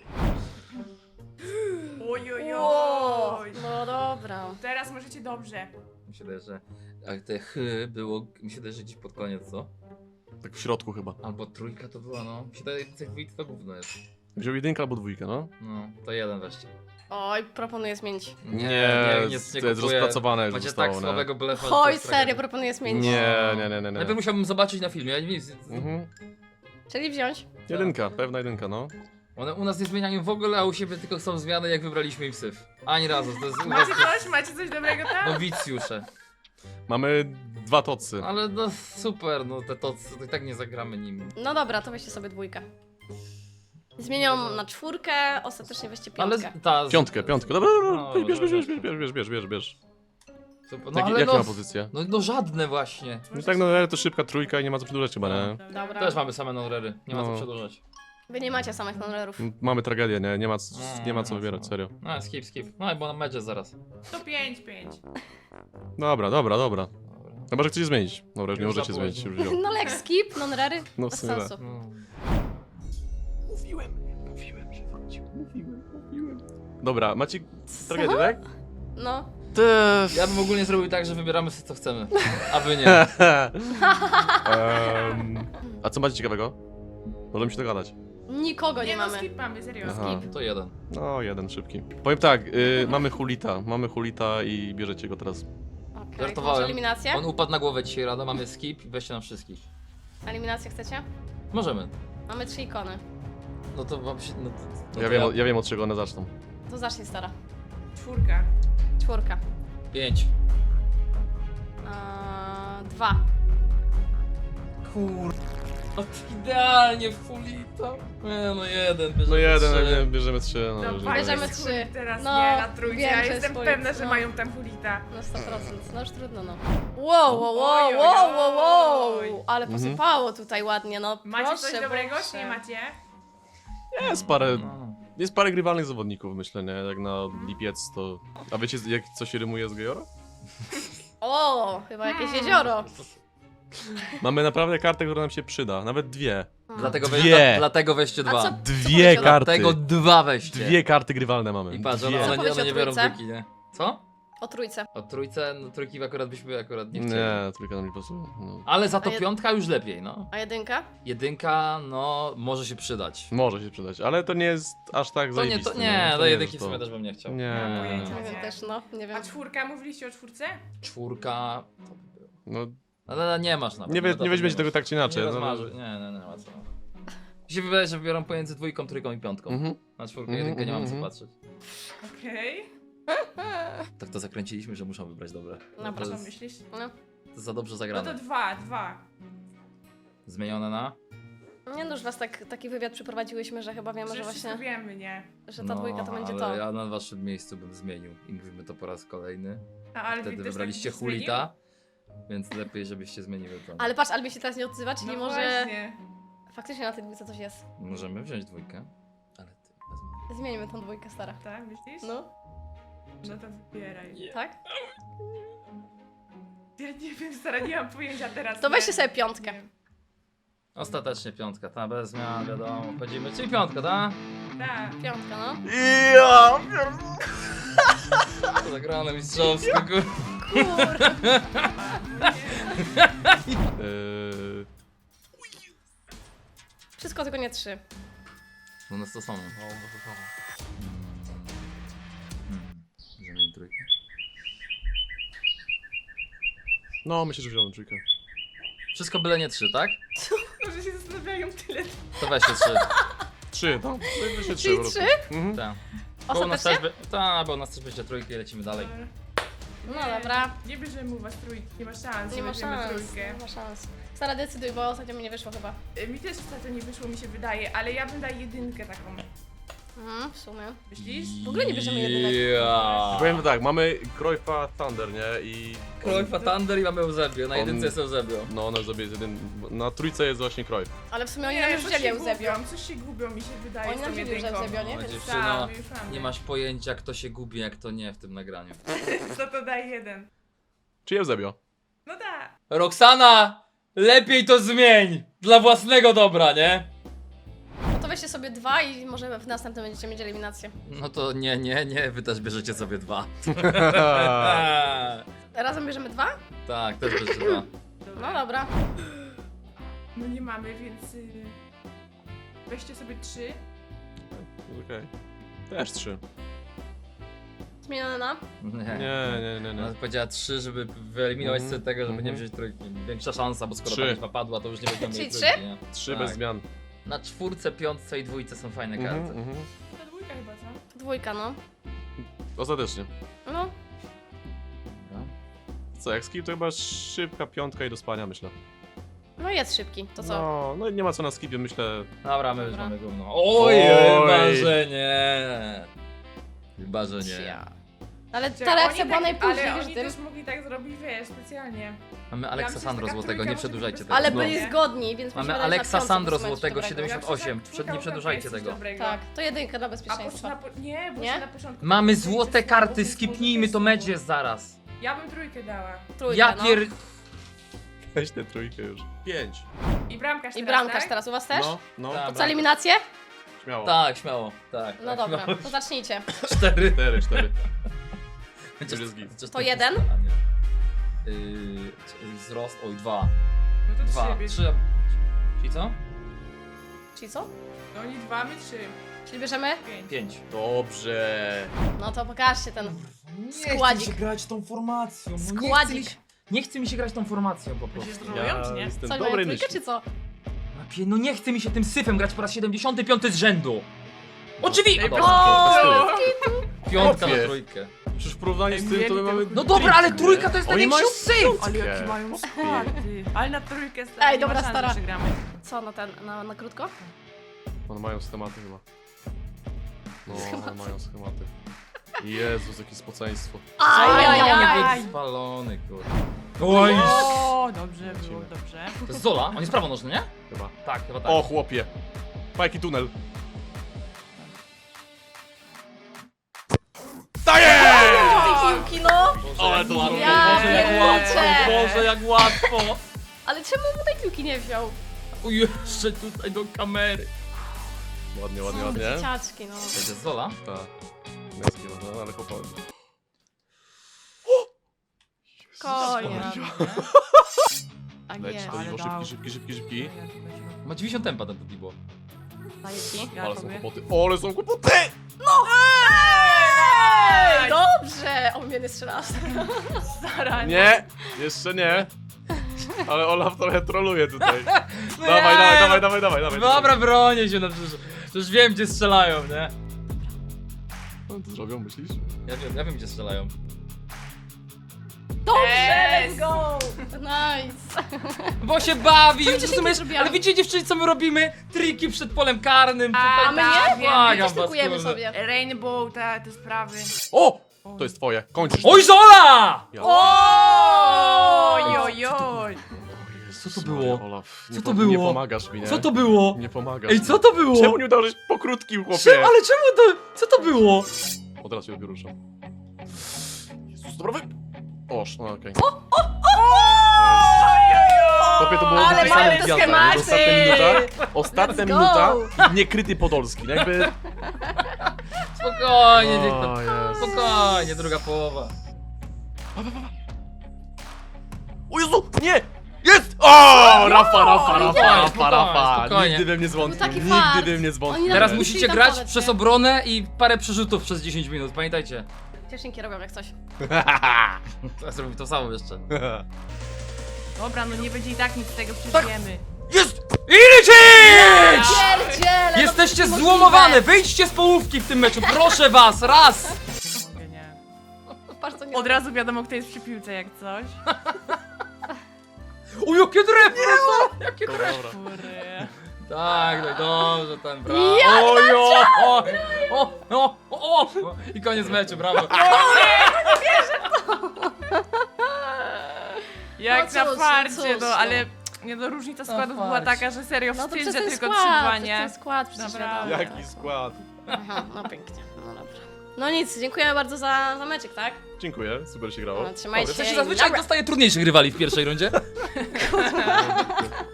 [SPEAKER 5] Oj, oj,
[SPEAKER 1] Ło,
[SPEAKER 5] oj.
[SPEAKER 1] no dobra.
[SPEAKER 5] Teraz możecie dobrze.
[SPEAKER 4] Mi się wydaje, że... A te ch było... Mi się wydaje, że gdzieś pod koniec, co?
[SPEAKER 2] Tak w środku chyba.
[SPEAKER 4] Albo trójka to była, no. Mi się wydaje, że bitwa gówno jest.
[SPEAKER 2] Wziął jedynkę albo dwójkę, no?
[SPEAKER 4] No, to jeden weźcie.
[SPEAKER 1] Oj, proponuję zmienić.
[SPEAKER 2] Nie,
[SPEAKER 4] nie, nie,
[SPEAKER 2] to
[SPEAKER 4] nie
[SPEAKER 2] jest
[SPEAKER 4] kupuję.
[SPEAKER 2] rozpracowane już
[SPEAKER 4] Macie
[SPEAKER 2] zostało,
[SPEAKER 4] tak
[SPEAKER 2] nie?
[SPEAKER 4] słabego blefa, że to
[SPEAKER 1] Oj,
[SPEAKER 4] jest
[SPEAKER 1] serio,
[SPEAKER 4] tragedia.
[SPEAKER 1] proponuję zmienić.
[SPEAKER 2] Nie, nie, nie, nie,
[SPEAKER 4] Najpierw
[SPEAKER 2] nie.
[SPEAKER 4] musiałbym zobaczyć na filmie, ja nie wiem.
[SPEAKER 2] Mhm.
[SPEAKER 1] Czyli wziąć.
[SPEAKER 2] Jedynka, pewna jedynka, no.
[SPEAKER 4] One u nas nie zmieniają w ogóle, a u siebie tylko są zmiany, jak wybraliśmy im syf. Ani razu, to jest u was
[SPEAKER 5] Macie coś? Macie coś dobrego tam?
[SPEAKER 4] nowicjusze.
[SPEAKER 2] Mamy dwa tocy.
[SPEAKER 4] Ale no super, no te to, to i tak nie zagramy nim.
[SPEAKER 1] No dobra, to weźcie sobie dwójkę. Zmieniam na czwórkę, ostatecznie weźcie
[SPEAKER 4] Ale
[SPEAKER 1] piątkę.
[SPEAKER 4] z- ta... z-
[SPEAKER 2] Piątkę, piątkę. Dobra, dobra,
[SPEAKER 4] No,
[SPEAKER 2] bierz, bierz,
[SPEAKER 4] dobra,
[SPEAKER 2] bierz, bierz, bierz, bierz, bierz, bierz, bierz.
[SPEAKER 4] Super. No
[SPEAKER 2] Jak,
[SPEAKER 4] ale
[SPEAKER 2] jakie
[SPEAKER 4] no,
[SPEAKER 2] ma pozycję?
[SPEAKER 4] no, no żadne właśnie.
[SPEAKER 2] No tak, no ale to szybka trójka i nie ma co przedłużać chyba, nie?
[SPEAKER 1] Dobra.
[SPEAKER 4] Też mamy same non-rery, nie ma co
[SPEAKER 2] No.
[SPEAKER 4] przedłużać.
[SPEAKER 1] Wy nie macie samych non-rerów.
[SPEAKER 2] Mamy tragedię, nie? Nie ma, c-
[SPEAKER 4] No,
[SPEAKER 2] nie ma co
[SPEAKER 4] no,
[SPEAKER 2] wybierać,
[SPEAKER 4] no.
[SPEAKER 2] serio.
[SPEAKER 4] No skip, skip. No bo na mecz jest zaraz.
[SPEAKER 5] To pięć, pięć.
[SPEAKER 2] Dobra, dobra, dobra.
[SPEAKER 4] Dobra.
[SPEAKER 2] Chyba, że chcecie zmienić. Dobra, już nie
[SPEAKER 4] Już
[SPEAKER 2] możecie
[SPEAKER 4] za
[SPEAKER 2] zmienić,
[SPEAKER 4] późno.
[SPEAKER 2] już wziął.
[SPEAKER 1] No jak skip, non-rery,
[SPEAKER 2] No w
[SPEAKER 1] bez
[SPEAKER 2] sumie tak.
[SPEAKER 1] sensu.
[SPEAKER 4] No.
[SPEAKER 2] Mówiłem, mówiłem, że wrócił. Mówiłem, mówiłem. Dobra, macie tragedię, tak?
[SPEAKER 1] No.
[SPEAKER 2] Też.
[SPEAKER 4] Ja bym ogólnie zrobił tak, że wybieramy sobie co chcemy, a wy nie.
[SPEAKER 2] um, a co macie ciekawego? Możemy się dogadać.
[SPEAKER 1] Nikogo nie,
[SPEAKER 5] Nie no,
[SPEAKER 1] mamy.
[SPEAKER 5] skip mamy, serio.
[SPEAKER 2] Aha.
[SPEAKER 4] To jeden.
[SPEAKER 2] No, jeden szybki. Powiem tak, y, mamy Hulita, mamy Hulita i bierzecie go teraz.
[SPEAKER 1] Okej, to
[SPEAKER 4] Żartowałem.
[SPEAKER 1] może eliminację?
[SPEAKER 4] On upadł na głowę dzisiaj rada, mamy skip i weźcie na wszystkich.
[SPEAKER 1] Eliminację chcecie?
[SPEAKER 4] Możemy.
[SPEAKER 1] Mamy trzy ikony.
[SPEAKER 4] No to wam się... No to, no
[SPEAKER 2] Ja
[SPEAKER 4] to
[SPEAKER 2] wiem, od- ja wiem od czego one zaczną.
[SPEAKER 1] To zacznij, stara.
[SPEAKER 5] Czwórka.
[SPEAKER 1] Czwórka.
[SPEAKER 4] Pięć.
[SPEAKER 1] Eee, dwa.
[SPEAKER 4] Kur... No idealnie w fulita. Nie no jeden, bierzemy
[SPEAKER 2] No jeden,
[SPEAKER 4] trzy.
[SPEAKER 2] nie, bierzemy trzy, no już nie
[SPEAKER 5] fajnie,
[SPEAKER 1] Bierzemy
[SPEAKER 5] jest
[SPEAKER 1] trzy.
[SPEAKER 5] Hulit Teraz
[SPEAKER 1] No,
[SPEAKER 5] nie, na trójce.
[SPEAKER 1] wiem,
[SPEAKER 5] Ja
[SPEAKER 1] że
[SPEAKER 5] jestem
[SPEAKER 1] jest
[SPEAKER 5] pewna,
[SPEAKER 1] Hulit,
[SPEAKER 5] że
[SPEAKER 1] no.
[SPEAKER 5] mają tam hulita.
[SPEAKER 1] No sto procent. No już trudno, no. Wow, wow, wow,
[SPEAKER 5] Oj, oj,
[SPEAKER 1] wow, wow, wow.
[SPEAKER 5] oj.
[SPEAKER 1] Ale
[SPEAKER 2] Mhm.
[SPEAKER 1] posypało tutaj ładnie, no.
[SPEAKER 5] Macie
[SPEAKER 1] proszę,
[SPEAKER 5] coś dobrego,
[SPEAKER 1] proszę.
[SPEAKER 5] czy nie macie?
[SPEAKER 2] Jest parę,
[SPEAKER 4] No.
[SPEAKER 2] jest parę grywalnych zawodników, myślę, nie? Jak na lipiec to... A wiecie, jak co się rymuje z Gejora?
[SPEAKER 1] O, chyba jakieś
[SPEAKER 5] Hmm.
[SPEAKER 1] jezioro.
[SPEAKER 2] Mamy naprawdę kartę, która nam się przyda, nawet dwie.
[SPEAKER 4] Dlatego, we,
[SPEAKER 2] Dwie.
[SPEAKER 4] dla, dlatego weźcie
[SPEAKER 1] A
[SPEAKER 4] dwa.
[SPEAKER 1] co-
[SPEAKER 2] Dwie
[SPEAKER 1] powiedział?
[SPEAKER 2] karty.
[SPEAKER 4] Dlatego dwa weźcie.
[SPEAKER 2] Dwie karty grywalne mamy.
[SPEAKER 4] I patrz,
[SPEAKER 2] Dwie.
[SPEAKER 4] one, one,
[SPEAKER 1] powiedział
[SPEAKER 4] one nie biorą
[SPEAKER 1] trójce?
[SPEAKER 4] dwójki, nie? Co?
[SPEAKER 1] O trójce.
[SPEAKER 4] O trójce, no trójki akurat byśmy akurat nie chcieli.
[SPEAKER 2] Nie, trójka nam nie pasuje. No.
[SPEAKER 4] Ale za to
[SPEAKER 1] A jed-
[SPEAKER 4] piątka już lepiej, no.
[SPEAKER 1] A jedynka?
[SPEAKER 4] Jedynka, no, może się przydać.
[SPEAKER 2] Może się przydać, ale to nie jest aż tak
[SPEAKER 4] To nie,
[SPEAKER 2] zajebiste.
[SPEAKER 4] to nie, do
[SPEAKER 2] jest
[SPEAKER 4] jedynki w
[SPEAKER 2] to-
[SPEAKER 4] sumie też bym nie chciał.
[SPEAKER 2] Nie.
[SPEAKER 5] Nie mam pojęcia.
[SPEAKER 1] Nie wiem też, no. Nie wiem.
[SPEAKER 5] A czwórka, mówiliście o czwórce?
[SPEAKER 4] Czwórka, to by było.
[SPEAKER 2] No,
[SPEAKER 4] Ale nie masz na
[SPEAKER 2] Nie, wie, nie weźmiecie tego tak czy inaczej.
[SPEAKER 4] Nie
[SPEAKER 2] no,
[SPEAKER 4] rozmarzy. Nie, nie, nie ma co. Mi się wydaje, że wybiorą pomiędzy dwójką, trójką i piątką.
[SPEAKER 2] Mhm.
[SPEAKER 4] Na czwórkę,
[SPEAKER 2] Mhm,
[SPEAKER 4] jedynkę nie mam co
[SPEAKER 2] mhm,
[SPEAKER 4] patrzeć.
[SPEAKER 5] Okej.
[SPEAKER 4] Tak to zakręciliśmy, że muszą wybrać dobre.
[SPEAKER 1] Dobra.
[SPEAKER 4] To
[SPEAKER 5] Co
[SPEAKER 4] jest,
[SPEAKER 5] myślisz?
[SPEAKER 1] No.
[SPEAKER 4] to jest za dobrze
[SPEAKER 5] No
[SPEAKER 4] zagrane.
[SPEAKER 5] to dwa, dwa.
[SPEAKER 4] Zmienione na?
[SPEAKER 1] Nie no, już was tak, taki wywiad przeprowadziłyśmy, że chyba wiemy, że
[SPEAKER 5] Że wszystko
[SPEAKER 1] właśnie,
[SPEAKER 5] wiemy, nie?
[SPEAKER 1] że ta dwójka to będzie
[SPEAKER 4] ale
[SPEAKER 1] to.
[SPEAKER 4] ja na waszym miejscu bym zmienił i mówimy to po raz kolejny.
[SPEAKER 5] A Alwin
[SPEAKER 4] Wtedy
[SPEAKER 5] też
[SPEAKER 4] wybraliście
[SPEAKER 5] tak zmienił?
[SPEAKER 4] Hulita, więc lepiej, żebyście zmieniły to.
[SPEAKER 1] Ale patrz, Albi się teraz nie odzywa, czyli
[SPEAKER 5] No
[SPEAKER 1] może
[SPEAKER 5] właśnie.
[SPEAKER 1] faktycznie na tej dwójce coś jest.
[SPEAKER 4] Możemy wziąć dwójkę, ale ty wezmę.
[SPEAKER 1] Zmienimy tą dwójkę, stara.
[SPEAKER 5] Tak, myślisz?
[SPEAKER 1] No,
[SPEAKER 5] No to wybieraj.
[SPEAKER 1] tak?
[SPEAKER 5] Ja nie wiem, stara, nie mam pojęcia teraz.
[SPEAKER 1] To
[SPEAKER 5] nie?
[SPEAKER 1] weźcie sobie piątkę.
[SPEAKER 5] Nie.
[SPEAKER 4] Ostatecznie piątka, ta bez zmian, wiadomo, chodzimy. Czyli piątka, tak?
[SPEAKER 5] Tak.
[SPEAKER 1] Piątka, no.
[SPEAKER 2] Ja!
[SPEAKER 4] Zagrane mistrzowsko, kur...
[SPEAKER 1] Kurde.
[SPEAKER 2] Eee,
[SPEAKER 1] Wszystko tylko nie trzy.
[SPEAKER 4] U nas to samo.
[SPEAKER 2] no, no to samo.
[SPEAKER 4] Hmm. Zamień trójkę.
[SPEAKER 2] No, myślę, że wziąłem trójkę.
[SPEAKER 4] Wszystko byle nie trzy, tak?
[SPEAKER 5] Może się zastanawiają tyle.
[SPEAKER 4] To weźcie trzy.
[SPEAKER 2] Trzy, no. Weźmy trzy
[SPEAKER 1] Czyli
[SPEAKER 2] po prostu.
[SPEAKER 1] trzy?
[SPEAKER 2] Mhm.
[SPEAKER 4] Tak. Bo u nas też
[SPEAKER 1] Ostatecznie?
[SPEAKER 4] by... Tak, bo u nas też będzie trójki i lecimy dalej.
[SPEAKER 1] No dobra.
[SPEAKER 5] Nie bierzemy u was trójki, nie ma szans,
[SPEAKER 1] Nie
[SPEAKER 5] że
[SPEAKER 1] ma
[SPEAKER 5] weźmiemy
[SPEAKER 1] szans,
[SPEAKER 5] trójkę.
[SPEAKER 1] nie ma szans. Stara, decyduj, bo ostatnio mi nie wyszło chyba.
[SPEAKER 5] Y, Mi też ostatnio nie wyszło, mi się wydaje, ale ja bym dała jedynkę taką.
[SPEAKER 1] Mhm, w sumie.
[SPEAKER 5] Myślisz?
[SPEAKER 1] W ogóle nie bierzemy jedynek.
[SPEAKER 4] Ja.
[SPEAKER 2] Powiem tak, mamy Cruyffa Thunder, nie? I...
[SPEAKER 4] Cruyffa Thunder i mamy Eusebio. Na
[SPEAKER 2] On-
[SPEAKER 4] jedynce jest Eusebio.
[SPEAKER 2] No, ona sobie jest jeden... Na trójce jest właśnie Cruyff.
[SPEAKER 1] Ale w sumie oni
[SPEAKER 5] Nie,
[SPEAKER 1] nam już
[SPEAKER 5] coś
[SPEAKER 1] wzięli
[SPEAKER 5] się
[SPEAKER 1] Eusebio.
[SPEAKER 5] gubią, coś się gubią, mi się wydaje
[SPEAKER 1] Oni
[SPEAKER 5] z
[SPEAKER 1] nam
[SPEAKER 5] tą
[SPEAKER 1] wzięli już
[SPEAKER 5] jedynką.
[SPEAKER 1] Eusebio, nie?
[SPEAKER 4] O,
[SPEAKER 1] Więc
[SPEAKER 4] dziewczyno,
[SPEAKER 5] Tak, my już mamy.
[SPEAKER 4] nie masz pojęcia, kto się gubi, jak to nie w tym nagraniu.
[SPEAKER 5] Co to daj jeden?
[SPEAKER 2] Czy Eusebio?
[SPEAKER 5] No tak.
[SPEAKER 4] Roxana, lepiej to zmień! Dla własnego dobra, nie?
[SPEAKER 1] No to weźcie sobie dwa i może w następnym będziecie mieć eliminację.
[SPEAKER 4] No to nie, nie, nie, wy też bierzecie sobie dwa.
[SPEAKER 1] Razem bierzemy dwa?
[SPEAKER 4] Tak, też bierzecie dwa.
[SPEAKER 1] No dobra.
[SPEAKER 5] No nie mamy, więc... Y... Weźcie sobie trzy.
[SPEAKER 2] Okej. Też trzy.
[SPEAKER 1] Zmienione na?
[SPEAKER 4] Nie.
[SPEAKER 2] Nie, nie, nie,
[SPEAKER 4] Ona
[SPEAKER 2] nie.
[SPEAKER 4] powiedziała trzy, żeby wyeliminować
[SPEAKER 2] Mhm,
[SPEAKER 4] z tego, żeby nie
[SPEAKER 2] mhm.
[SPEAKER 4] wziąć trójki. Większa szansa, bo skoro
[SPEAKER 2] Trzy.
[SPEAKER 4] ta liczba padła, to już nie będziemy
[SPEAKER 1] Czyli
[SPEAKER 4] mieli
[SPEAKER 1] trzy?
[SPEAKER 4] trójki, nie?
[SPEAKER 2] Trzy
[SPEAKER 4] Tak.
[SPEAKER 2] bez zmian.
[SPEAKER 4] Na czwórce, piątce i dwójce są fajne
[SPEAKER 2] Mhm,
[SPEAKER 4] karty.
[SPEAKER 2] mhm.
[SPEAKER 5] To dwójka chyba, co?
[SPEAKER 1] Dwójka, no.
[SPEAKER 2] Ostatecznie.
[SPEAKER 1] No.
[SPEAKER 4] Dobra.
[SPEAKER 2] Co, jak skip to chyba szybka piątka i do spania, myślę.
[SPEAKER 1] No jest szybki, to co?
[SPEAKER 2] No, no i nie ma co na skipie, myślę.
[SPEAKER 4] Dobra, my już
[SPEAKER 1] Dobra.
[SPEAKER 4] mamy gówno. Oj,
[SPEAKER 2] Oj.
[SPEAKER 4] chyba, że nie. Chyba, że nie.
[SPEAKER 1] Ja. Ale
[SPEAKER 5] Że
[SPEAKER 1] ta reakcja
[SPEAKER 5] oni
[SPEAKER 1] była
[SPEAKER 5] tak,
[SPEAKER 1] najpóźniej,
[SPEAKER 5] ale
[SPEAKER 1] wiesz
[SPEAKER 5] oni
[SPEAKER 1] tym.
[SPEAKER 5] też mogli tak zrobić, wiesz, specjalnie.
[SPEAKER 4] Mamy
[SPEAKER 5] Ja
[SPEAKER 4] Aleksa
[SPEAKER 5] myślę, że
[SPEAKER 4] Sandro
[SPEAKER 5] taka
[SPEAKER 4] Złotego,
[SPEAKER 5] trójka
[SPEAKER 4] nie
[SPEAKER 5] może
[SPEAKER 4] przedłużajcie
[SPEAKER 5] być
[SPEAKER 4] tego.
[SPEAKER 1] Ale
[SPEAKER 5] No.
[SPEAKER 1] byli zgodni, więc mi się
[SPEAKER 4] Mamy
[SPEAKER 1] wydaje, że na
[SPEAKER 4] Aleksa
[SPEAKER 1] piątce
[SPEAKER 4] Sandro
[SPEAKER 1] po prostu
[SPEAKER 4] Złotego,
[SPEAKER 1] będzie dobrego.
[SPEAKER 4] siedemdziesiąt osiem.
[SPEAKER 5] Ja myślę, że
[SPEAKER 4] Przed- nie
[SPEAKER 5] trójka
[SPEAKER 4] przedłużajcie
[SPEAKER 5] jest coś
[SPEAKER 4] tego.
[SPEAKER 5] dobrego.
[SPEAKER 1] Tak, to jedynka dla
[SPEAKER 5] A po,
[SPEAKER 1] bezpieczeństwa.
[SPEAKER 5] na, po, nie, bo
[SPEAKER 1] Nie?
[SPEAKER 5] się na początku...
[SPEAKER 4] Mamy
[SPEAKER 5] trójce
[SPEAKER 4] złote
[SPEAKER 5] słabo,
[SPEAKER 4] karty,
[SPEAKER 5] więc
[SPEAKER 4] skipnijmy, to
[SPEAKER 5] może
[SPEAKER 4] mecz jest zaraz.
[SPEAKER 5] Ja bym trójkę dała.
[SPEAKER 1] Trójka,
[SPEAKER 4] Ja
[SPEAKER 1] no.
[SPEAKER 4] pier...
[SPEAKER 2] Weź tę trójkę już. Pięć.
[SPEAKER 5] I bramkarz
[SPEAKER 1] I
[SPEAKER 5] teraz,
[SPEAKER 1] bramkarz
[SPEAKER 5] tak?
[SPEAKER 1] teraz, u was też?
[SPEAKER 2] No, no.
[SPEAKER 4] Tak.
[SPEAKER 1] To co, eliminację?
[SPEAKER 2] Śmiało.
[SPEAKER 4] Tak, śmiało. Tak.
[SPEAKER 1] No
[SPEAKER 4] tak,
[SPEAKER 1] dobra,
[SPEAKER 4] śmiało.
[SPEAKER 1] to zacznijcie.
[SPEAKER 4] Cztery.
[SPEAKER 2] Cztery, cztery.
[SPEAKER 4] Chociaż-
[SPEAKER 2] Jest git.
[SPEAKER 4] chociaż
[SPEAKER 1] To jeden?
[SPEAKER 4] A nie. Yy, wzrost, oj, dwa.
[SPEAKER 5] No to
[SPEAKER 4] Dwa,
[SPEAKER 5] trzy, bierz-
[SPEAKER 4] trzy. Czyli co?
[SPEAKER 1] Czyli co?
[SPEAKER 5] No oni dwa, my trzy.
[SPEAKER 1] Czyli bierzemy?
[SPEAKER 5] Pięć.
[SPEAKER 4] Pięć.
[SPEAKER 2] Dobrze.
[SPEAKER 1] No to pokażcie ten
[SPEAKER 4] Nie
[SPEAKER 1] Składzik.
[SPEAKER 4] chcę mi się grać tą formacją. No nie,
[SPEAKER 1] składzik.
[SPEAKER 4] chcę mi się, nie chcę mi się grać tą formacją po prostu.
[SPEAKER 5] Będziesz Próbują, czy nie?
[SPEAKER 2] jestem
[SPEAKER 1] Co,
[SPEAKER 2] dobrej
[SPEAKER 1] mają trójkę,
[SPEAKER 2] myśli.
[SPEAKER 1] czy co?
[SPEAKER 4] Napie- No nie chce mi się tym syfem grać po raz siedemdziesiąty piąty z rzędu. Oczywiście!
[SPEAKER 5] Ej,
[SPEAKER 4] No
[SPEAKER 5] bez-
[SPEAKER 4] dobra,
[SPEAKER 5] O!
[SPEAKER 4] piątka na
[SPEAKER 2] Chłopie.
[SPEAKER 4] trójkę.
[SPEAKER 2] Przecież w porównaniu z
[SPEAKER 5] Ej,
[SPEAKER 2] tym, to my
[SPEAKER 5] mieli
[SPEAKER 2] mamy...
[SPEAKER 5] ten-
[SPEAKER 4] No dobra, ale
[SPEAKER 2] trójkę,
[SPEAKER 4] trójka
[SPEAKER 2] nie?
[SPEAKER 4] to jest
[SPEAKER 2] Oni
[SPEAKER 4] największy
[SPEAKER 2] mają
[SPEAKER 4] syf!
[SPEAKER 5] Ale
[SPEAKER 2] piątkę.
[SPEAKER 5] jakie mają składy. Ale na trójkę stary,
[SPEAKER 1] Ej,
[SPEAKER 5] nie
[SPEAKER 1] dobra,
[SPEAKER 5] ma szans,
[SPEAKER 1] stara.
[SPEAKER 5] że przegramy.
[SPEAKER 1] Co, na ten, na, na krótko?
[SPEAKER 2] One mają schematy chyba. No, one mają schematy. Jezus, jakie spoceństwo.
[SPEAKER 1] Ajajaj.
[SPEAKER 4] Jest spalony, kurde. Oj!
[SPEAKER 5] O, dobrze było, dobrze.
[SPEAKER 4] To jest Zola? On jest prawonożny, nie?
[SPEAKER 2] Chyba.
[SPEAKER 4] Tak, chyba tak.
[SPEAKER 2] O, chłopie. Pa, jaki tunel. Daję!
[SPEAKER 1] Tej piłki, no!
[SPEAKER 4] Boże,
[SPEAKER 2] Ale
[SPEAKER 4] jak
[SPEAKER 2] to
[SPEAKER 4] łatwo,
[SPEAKER 2] zrobił.
[SPEAKER 1] Ja
[SPEAKER 4] Boże, jak łatwo,
[SPEAKER 1] pierniczę.
[SPEAKER 4] Boże, jak łatwo!
[SPEAKER 1] Ale czemu mu tej piłki nie wziął?
[SPEAKER 4] O, jeszcze tutaj do kamery.
[SPEAKER 2] Ładnie, ładnie,
[SPEAKER 1] Co,
[SPEAKER 2] ładnie.
[SPEAKER 1] dzieciaczki, no.
[SPEAKER 4] To jest Zola?
[SPEAKER 2] Tak. Męskie, no, ale chłopak.
[SPEAKER 1] Koniec. Tak
[SPEAKER 2] Leć,
[SPEAKER 1] jest.
[SPEAKER 2] to
[SPEAKER 5] Ale
[SPEAKER 2] Iwo,
[SPEAKER 5] dał.
[SPEAKER 2] szybki, szybki, szybki, szybki.
[SPEAKER 4] Ma dziewięćdziesiąt tempa ten Tibo.
[SPEAKER 1] Bajki.
[SPEAKER 2] Ale są kłopoty. O, ale są kłopoty!
[SPEAKER 1] Ej, dobrze! O mnie nie strzela.
[SPEAKER 5] Stara,
[SPEAKER 2] Nie, jeszcze nie. Ale Olaf trochę troluje tutaj.
[SPEAKER 4] No
[SPEAKER 2] Dawaj,
[SPEAKER 4] ja,
[SPEAKER 2] dawaj,
[SPEAKER 4] no.
[SPEAKER 2] dawaj, dawaj, dawaj, dawaj.
[SPEAKER 4] Dobra, bronię się, no przecież, przecież wiem, gdzie strzelają, nie?
[SPEAKER 2] Co to zrobią, myślisz?
[SPEAKER 4] Ja wiem, ja wiem, gdzie strzelają.
[SPEAKER 1] Dobrze,
[SPEAKER 5] Yes.
[SPEAKER 1] let's go! Nice.
[SPEAKER 4] Bo się bawi!
[SPEAKER 1] Co
[SPEAKER 4] w
[SPEAKER 1] wcześniej
[SPEAKER 4] sumie-
[SPEAKER 1] nie zrobiłam?
[SPEAKER 4] Ale widzicie dziewczyny, co my robimy? Triki przed polem karnym,
[SPEAKER 5] A,
[SPEAKER 4] tutaj.
[SPEAKER 1] A my
[SPEAKER 5] tak,
[SPEAKER 1] nie?
[SPEAKER 5] wiem.
[SPEAKER 1] My
[SPEAKER 4] Błagam
[SPEAKER 1] też
[SPEAKER 4] was,
[SPEAKER 1] tykujemy
[SPEAKER 4] kurde.
[SPEAKER 1] sobie.
[SPEAKER 5] Rainbow, te, te sprawy.
[SPEAKER 2] O! To jest twoje, kończysz.
[SPEAKER 4] Oj, Zola!
[SPEAKER 2] Ja.
[SPEAKER 5] Oj, oj, oj.
[SPEAKER 2] Jezus
[SPEAKER 4] Co to było?
[SPEAKER 2] Maria, Olaf, nie
[SPEAKER 4] Co to
[SPEAKER 2] po- Nie
[SPEAKER 4] było?
[SPEAKER 2] pomagasz mi, nie?
[SPEAKER 4] Co to było?
[SPEAKER 2] Nie pomagasz
[SPEAKER 4] Ej,
[SPEAKER 2] mi.
[SPEAKER 4] co to było?
[SPEAKER 2] Czemu nie uderzyć po krótkim, chłopie?
[SPEAKER 4] Czemu, ale czemu to, co to było?
[SPEAKER 2] Od razu ją ruszam. Jezus, dobra, wy... Oż, no okej. Chłopie, to było
[SPEAKER 1] Ale
[SPEAKER 2] wypisane
[SPEAKER 1] mamy
[SPEAKER 2] w gwiazdach,
[SPEAKER 1] schematy!
[SPEAKER 2] Ostatnia minuta, ostatnia
[SPEAKER 1] Let's go!
[SPEAKER 2] minuta, niekryty Podolski, no jakby...
[SPEAKER 4] Spokojnie, niech
[SPEAKER 2] O,
[SPEAKER 4] to,
[SPEAKER 2] Jezu.
[SPEAKER 4] spokojnie, druga połowa.
[SPEAKER 2] O Jezu, nie! Jest! O! Rafa, Rafa, Rafa, Rafa,
[SPEAKER 4] spokojnie,
[SPEAKER 2] Rafa.
[SPEAKER 4] spokojnie.
[SPEAKER 2] Nigdy bym nie
[SPEAKER 1] To
[SPEAKER 2] zwątpił,
[SPEAKER 1] był taki
[SPEAKER 2] nigdy
[SPEAKER 1] fart.
[SPEAKER 2] bym nie
[SPEAKER 1] Oni
[SPEAKER 2] zwątpił.
[SPEAKER 4] Teraz
[SPEAKER 1] Musieli
[SPEAKER 4] musicie
[SPEAKER 1] tam
[SPEAKER 4] grać
[SPEAKER 1] padać,
[SPEAKER 4] przez
[SPEAKER 1] nie?
[SPEAKER 4] obronę i parę przerzutów przez dziesięć minut, pamiętajcie.
[SPEAKER 1] Cieszynki robią jak coś.
[SPEAKER 4] Teraz robimy to samo jeszcze.
[SPEAKER 5] Dobra, no nie będzie i tak nic z tego przeżyjemy.
[SPEAKER 2] Jest!
[SPEAKER 4] I lecieć!
[SPEAKER 1] Pierdziele! no
[SPEAKER 4] Jesteście
[SPEAKER 1] to jest
[SPEAKER 4] złomowane!
[SPEAKER 1] niemożliwe.
[SPEAKER 4] Wyjdźcie z połówki w tym meczu, proszę was, raz!
[SPEAKER 5] Nie mogę, nie.
[SPEAKER 1] Patrz, co nie
[SPEAKER 5] Od razu wiadomo, kto jest przy piłce, jak coś.
[SPEAKER 4] O, jakie drewno! Jakie
[SPEAKER 2] Dobra,
[SPEAKER 4] drewno!
[SPEAKER 2] dobra.
[SPEAKER 5] Kurde.
[SPEAKER 4] Tak, no i dobrze, ten brawo.
[SPEAKER 1] Jak
[SPEAKER 4] Oj, o, o, o, o, o, o. I koniec meczu, brawo.
[SPEAKER 5] Jak
[SPEAKER 1] No
[SPEAKER 5] na
[SPEAKER 1] cóż, no
[SPEAKER 5] farcie,
[SPEAKER 1] cóż,
[SPEAKER 5] no
[SPEAKER 1] no.
[SPEAKER 5] ale... Nie no, różnica składów była
[SPEAKER 4] farcie.
[SPEAKER 5] taka, że serio
[SPEAKER 1] No to
[SPEAKER 5] wstyd,
[SPEAKER 1] przez
[SPEAKER 5] że
[SPEAKER 1] ten
[SPEAKER 5] tylko
[SPEAKER 1] skład,
[SPEAKER 5] trzy dwa,
[SPEAKER 1] przez
[SPEAKER 5] nie?
[SPEAKER 1] ten skład, przecież
[SPEAKER 5] Naprawdę.
[SPEAKER 1] wiadomo.
[SPEAKER 2] Jaki skład.
[SPEAKER 1] Aha, no pięknie, no dobra. No nic, dziękujemy bardzo za, za meczyk, tak?
[SPEAKER 2] Dziękuję, super się grało.
[SPEAKER 1] No, trzymajcie
[SPEAKER 4] Dobrze,
[SPEAKER 1] się.
[SPEAKER 4] się zazwyczaj
[SPEAKER 1] Dobra.
[SPEAKER 4] dostaje trudniejszych rywali w pierwszej rundzie.